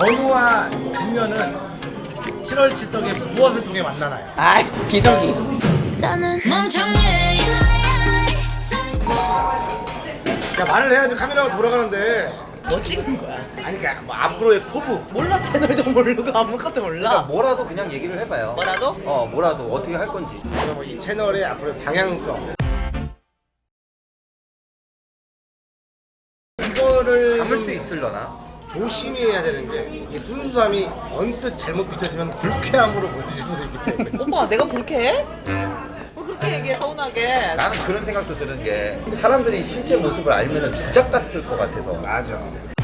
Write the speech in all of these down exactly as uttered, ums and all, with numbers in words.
견우와 직녀는 칠월 칠석에 무엇을 통해 만나나요? 아, 비둘기. 나는 멍청해. 야, 말을 해야지 카메라가 돌아가는데. 뭐 찍는 거야? 아니 그러니까 뭐 앞으로의 포부. 몰라, 채널도 모르고 아무것도 몰라. 그러니까 뭐라도 그냥 얘기를 해봐요. 뭐라도? 어, 뭐라도 어떻게 할 건지. 그리고 이 채널의 앞으로의 방향성. 이거를 담을 수 있으려나? 조심히 해야 되는 게 이 순수함이 언뜻 잘못 비춰지면 불쾌함으로 보여질 수도 있기 때문에. 오빠, 내가 불쾌해? 왜 그렇게 얘기해, 서운하게? 나는 그런 생각도 드는 게 사람들이 실제 모습을 알면은 주작 같을 것 같아서. 맞아.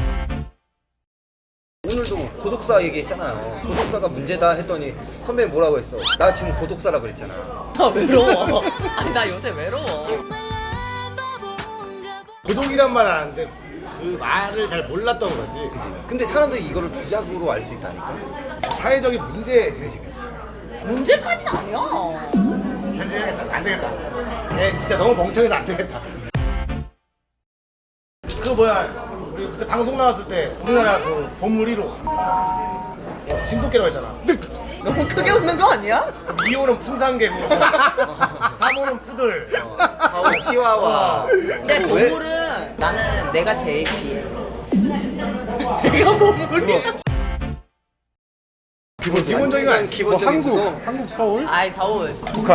오늘도 고독사 얘기했잖아요. 고독사가 문제다 했더니 선배님 뭐라고 했어? 나 지금 고독사라 그랬잖아. 나 외로워. 아니, 나 요새 외로워. 고독이란 말 하는데 그 말을 잘 몰랐던 거지. 근데 사람들이 이거를 주작으로 알 수 있다니까. 사회적인 문제 제기지. 문제까지는 아니야. 편집해야겠다. 안 되겠다. 얘 진짜 너무 멍청해서 안 되겠다. 그 뭐야, 우리 그때 방송 나왔을 때 우리나라 그 본물 일 호 진돗개라고 했잖아. 너무 크게 웃는 거 아니야? 이 호는 풍산개고 삼 호는 푸들. 사 호 치와와. 근데 그거 왜- 보물은 나는 내가 제일 귀해. 내가 보물이야. 기본, 기본적인 거 아니지. 기본적인 수도. 한국, 한국 서울, 아이, 서울. 북한.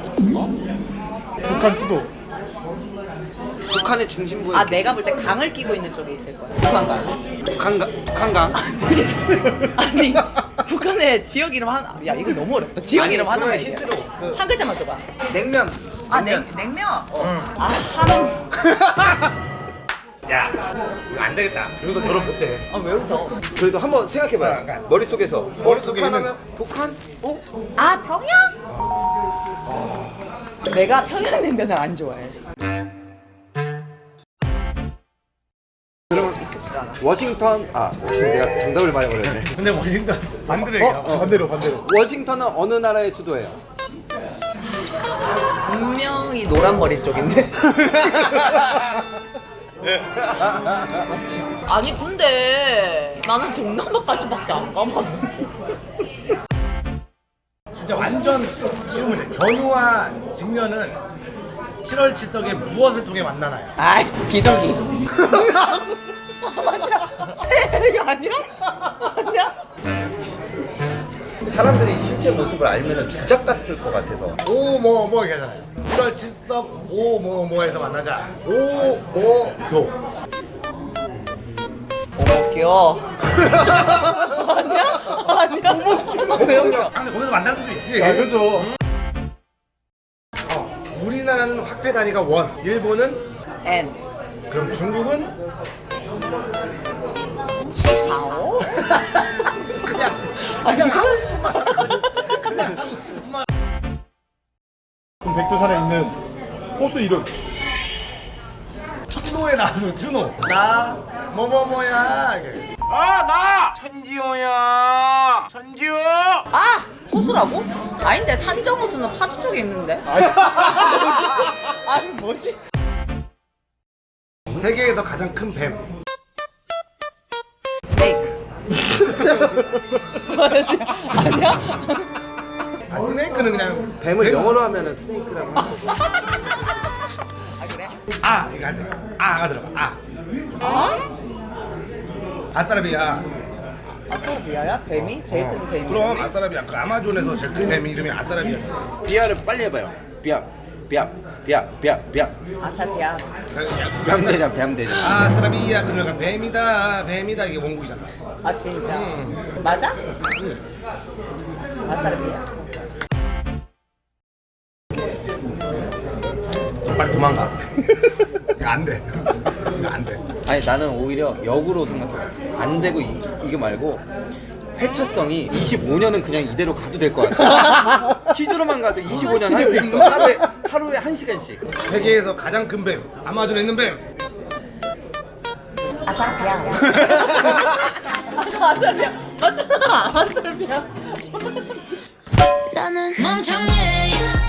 북한 수도. 북한의 중심부에 아, 내가 볼 때 강을 끼고 있는 쪽에 있을 거야. 북한강. 북한강 북한강. 아니, 북한의 지역 이름 하나. 야, 이거 너무 어렵다. 지역 아니, 이름 하나만 그러면 얘기해. 힌트로 그 한 글자만 줘봐. 냉면. 아, 냉, 냉면? 아, 한우. 야, 이거 안 되겠다. 여기서 결혼 못해. 아, 왜 웃어? 그래도 한번 생각해봐요. 그러니까. 머릿속에서. 머릿속에 북한 있는- 하면 북한? 어? 아, 평양? 내가 평양냉면을 안 좋아해. 익숙지가 않아. 워싱턴. 아, 지금 내가 정답을 말해버렸네. 근데 워싱턴 반대로 얘기해. 어, 어. 반대로 반대로. 워싱턴은 어느 나라의 수도예요? 분명히 노란 머리 쪽인데. 맞지? 아니, 근데 나는 동남아까지밖에 안 가봤는데. 진짜 완전 쉬운 문제. 견우와 직녀는 칠월 칠석에 무엇을 통해 만나나요? 아이, 비둘기. 아, 맞아. 이거 아니야? 아니야? 사람들이 실제 모습을 알면은 주작 같을 것 같아서. 오 뭐 뭐 이렇게 하잖아요. 칠월 칠석 오 뭐 뭐에서 만나자. 오모교. 어머, 귀여워. 아니야? 아니야? 왜 웃어? 아, 근데 거기서 만날 수도 있지. 아, 그죠. 어, 우리나라는 화폐 단위가 원, 일본은 N. 그럼 중국은 치하오? 그냥 그냥 하고 싶은 말. 그냥 하고 싶은 말. 그럼 백두산에 있는 호수 이름. 준호에 나와서 준호. 나 뭐뭐뭐야. 이렇게. 아! 호수라고? 아닌데, 산정호수는 파주 쪽에 있는데? 아니, 뭐지? 세계에서 가장 큰 뱀. 스네이크. 뭐지? 아니야? 아, 스네이크는 그냥 뱀을 뱀. 영어로 하면은 스네이크라고 하는 거죠. 아, 그래? 아 이거 할 때. 아가 들어가. 아. 아? 아싸라비아. 아싸라비아야? 뱀이? 제일 큰 뱀이? 그럼 아싸라비아. 그 아마존에서 제일 큰 뱀 이름이 아싸라비아잖아. 비아를 빨리 해봐요. 비아, 비아, 비아, 비아, 비아. 아싸비아. 뱀대장, 뱀대장. 아싸라비아 그러니까 뱀이다 뱀이다 이게 원곡이잖아. 아, 진짜? 음. 맞아? 아싸라비아. 좀 빨리 도망가. 이거 안 돼. 이거 안 돼. 아니 나는 오히려 역으로 생각해봤어. 안 되고 이, 이거 말고 회차성이 이십오 년은 그냥 이대로 가도 될 것 같아. 퀴즈로만 가도 이십오 년 할 수 있어. 하루에 하루에 한 시간씩. 세계에서 가장 큰 뱀. 아마존에 있는 뱀. 아싸라비아. 아싸라비아. 맞잖아. 아싸라비아. 나는 멍청해.